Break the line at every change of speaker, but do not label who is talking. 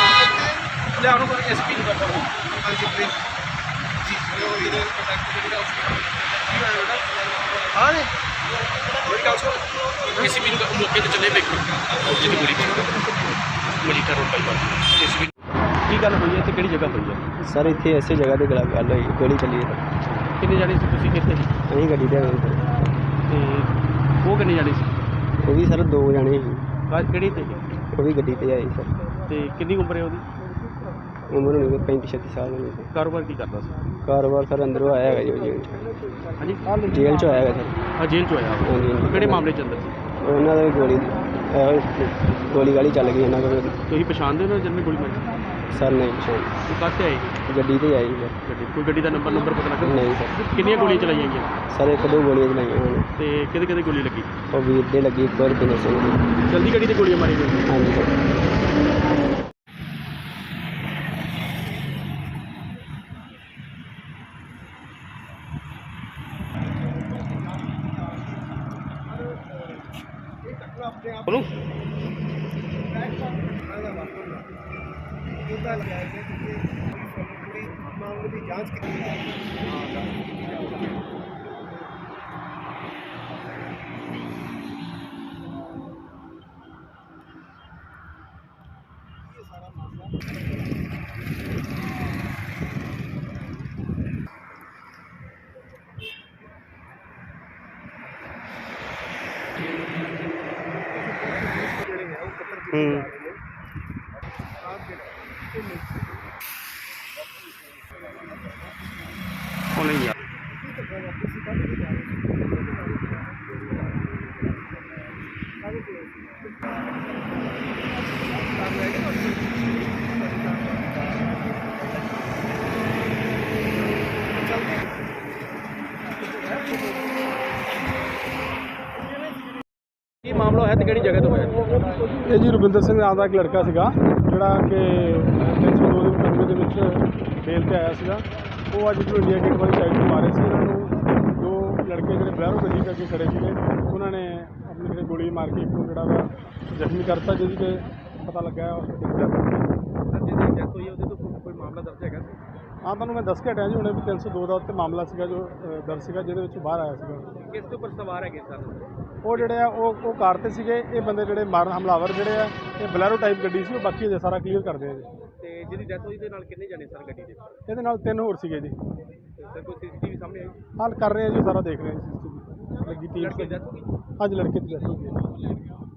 ਲਿਆ ਉਹਨੂੰ ਕੋਈ ਐਸਪੀ ਨੂੰ ਕਰਦਾ ਹਾਂ ਜੀ ਮੇਰੀ ਗੱਲ ਸੁਣ ਐਸਪੀ ਨੂੰ ਮੌਕੇ ਤੇ ਚੱਲੇ ਵੇਖੋ ਜਿੱਥੇ ਗੋਲੀ ਮਲੀਟਾ ਰੋਡ ਬਾਈਪਾਸ ਐਸਪੀ ਕੀ ਗੱਲ ਹੋਈ ਹੈ ਤੇ ਕਿਹੜੀ ਜਗ੍ਹਾ ਹੋਈ ਹੈ
ਸਰ ਇੱਥੇ ਐਸੇ ਜਗ੍ਹਾ ਤੇ ਗੱਲ ਹੋਈ ਗੋਲੀ ਚੱਲੀ ਹੈ
ਕਿੰਨੇ ਜਾਣੇ ਸੀ ਤੁਸੀਂ ਕਿੱਥੇ ਸੀ
ਅਸੀਂ ਗੱਡੀ ਤੇ ਆਏ ਸਰ
ਤੇ ਉਹ ਕਿੰਨੇ ਜਾਣੇ ਸੀ
ਉਹ ਵੀ ਸਰ 2 ਜਾਣੇ ਸੀ
ਕਿਹੜੀ ਤੇ
ਉਹ ਵੀ ਗੱਡੀ ਤੇ ਆਏ ਸਰ
ਤੇ ਕਿੰਨੀ ਉਮਰ ਹੈ ਉਹਦੀ
ਉਮਰ ਹੋਣੀ 35-36 ਸਾਲ ਹੋਣੀ ਸਰ
ਕਾਰੋਬਾਰ ਕੀ ਕਰਦਾ ਸੀ
ਕਾਰੋਬਾਰ ਸਰ ਅੰਦਰੋਂ ਆਇਆ ਹੈਗਾ ਜੀ ਜੇਲ੍ਹ 'ਚ
ਹਾਂਜੀ
ਜੇਲ੍ਹ 'ਚ ਆਇਆ ਹੈਗਾ ਸਰ
ਹਾਂ ਜੇਲ੍ਹ 'ਚ ਆਇਆ
ਹਾਂਜੀ
ਕਿਹੜੇ ਮਾਮਲੇ 'ਚ ਅੰਦਰ ਸੀ
ਉਹਨਾਂ ਦਾ ਗੋਲੀ ਗਾਲੀ ਚੱਲ ਗਈ ਇਹਨਾਂ ਕੋਲ
ਤੁਸੀਂ ਪਛਾਣਦੇ ਹੋ ਨਾ ਜਿਹਨੇ ਗੋਲੀ ਮਾਰੀ
ਸਰ ਨਹੀਂ ਪਛਾਣ
ਉਹ ਕਾਹਤੇ ਆਈ
ਗੱਡੀ ਤੇ ਆਈ ਸਰ
ਗੱਡੀ ਕੋਈ ਗੱਡੀ ਦਾ ਨੰਬਰ ਪਤਾ ਲੱਗਾ
ਨਹੀਂ ਸਰ
ਕਿੰਨੀਆਂ ਗੋਲੀਆਂ ਚਲਾਈਆਂ ਗਈਆਂ
ਸਰ 1-2 ਗੋਲੀਆਂ ਚਲਾਈਆਂ ਉਹਨਾਂ ਨੇ
ਤੇ ਕਿਹਦੇ ਕਿਹਦੇ ਗੋਲੀ ਲੱਗੀ
ਉਹ ਵੀਰ ਦੇ ਲੱਗੀ ਇੱਕ ਵਾਰ ਬਿਨਰ ਸਿੰਘ ਦੀ
ਜਲਦੀ ਗੱਡੀ ਤੇ ਗੋਲੀਆਂ ਮਾਰੀ ਗਈਆਂ
ਹਾਂਜੀ ਸਰ
बोलो
मामले की जांच की
नहीं यार ਕੀ ਮਾਮਲਾ ਹੈ ਤੇ ਕਿਹੜੀ ਜਗ੍ਹਾ ਤੋਂ ਹੋਇਆ
ਇਹ ਜੀ ਰਵਿੰਦਰ ਸਿੰਘ ਨਾਮ ਦਾ ਇੱਕ ਲੜਕਾ ਸੀਗਾ ਜਿਹੜਾ ਕਿ 302 ਦੇ ਮੁਕੱਦਮੇ ਦੇ ਵਿੱਚ ਬੇਲ ਤੇ ਆਇਆ ਸੀਗਾ। ਉਹ ਅੱਜ ਜਦੋਂ ਇੰਡੀਆ ਗੇਟ ਵਾਲੀ ਸਾਈਡ ਤੋਂ ਮਾਰੇ ਸੀ ਉਹਨਾਂ ਨੂੰ ਦੋ ਲੜਕੇ ਜਿਹੜੇ ਬਲੈਰੋ ਗੱਡੀ ਕਰਕੇ ਖੜੇ ਸੀਗੇ ਉਹਨਾਂ ਨੇ ਆਪਣੀ ਜਿਹੜੇ ਗੋਲੀ ਮਾਰ ਕੇ ਇੱਕ ਨੂੰ ਜਿਹੜਾ ਵਾ ਜ਼ਖਮੀ ਕਰਤਾ ਜਿਹਦੀ ਕਿ ਪਤਾ ਲੱਗਾ ਉਸ
ਜਿਹਦੀ ਡੈਥ ਹੋਈ ਉਹਦੇ ਤੋਂ ਕੋਈ ਮਾਮਲਾ ਦਰਜ ਹੈਗਾ
ਹਾਂ ਤੁਹਾਨੂੰ ਮੈਂ ਦੱਸ ਕੇ ਹਟਿਆ ਜੀ ਹੁਣੇ ਵੀ 302 ਦਾ ਉੱਤੇ ਮਾਮਲਾ ਸੀਗਾ ਜੋ ਦਰਜ ਸੀਗਾ ਜਿਹਦੇ ਵਿੱਚ ਬਾਹਰ ਆਇਆ ਸੀਗਾ।
ਕਿਸ ਦੇ ਉੱਪਰ ਸਵਾਰ ਹੈਗੇ ਸਰ
ਉਹ ਜਿਹੜੇ ਆ ਉਹ ਕਾਰ ਤੇ ਸੀਗੇ। ਇਹ ਬੰਦੇ ਜਿਹੜੇ ਮਾਰਨ ਹਮਲਾਵਰ ਜਿਹੜੇ ਆ ਇਹ ਬਲੈਰੋ ਟਾਈਪ ਗੱਡੀ ਸੀ ਉਹ ਬਾਕੀ ਅਜੇ ਸਾਰਾ ਕਲੀਅਰ ਕਰਦੇ ਆ ਜੀ।
ਤੇ ਜਿਹਦੀ ਡੈਥ ਹੋਈ ਦੇ ਨਾਲ ਕਿੰਨੇ ਜਾਣੇ ਸਰ ਗੱਡੀ ਦੇ
ਇਹਦੇ ਨਾਲ 3 ਹੋਰ ਸੀਗੇ ਜੀ।
ਸਰ ਕੋਈ ਸੀਸੀਟੀਵੀ ਸਾਹਮਣੇ ਆਈ
ਹਾਲ ਕਰ ਰਹੇ ਆ ਜੀ ਸਾਰਾ ਦੇਖ ਰਹੇ ਆ ਜੀ ਲੱਗੀ ਟੀਮ
ਲੜਕੇ ਦੀ ਡੈਥ ਹੋ ਗਈ
ਅੱਜ ਲੜਕੇ ਦੀ ਡੈਥ ਹੋ ਗਈ।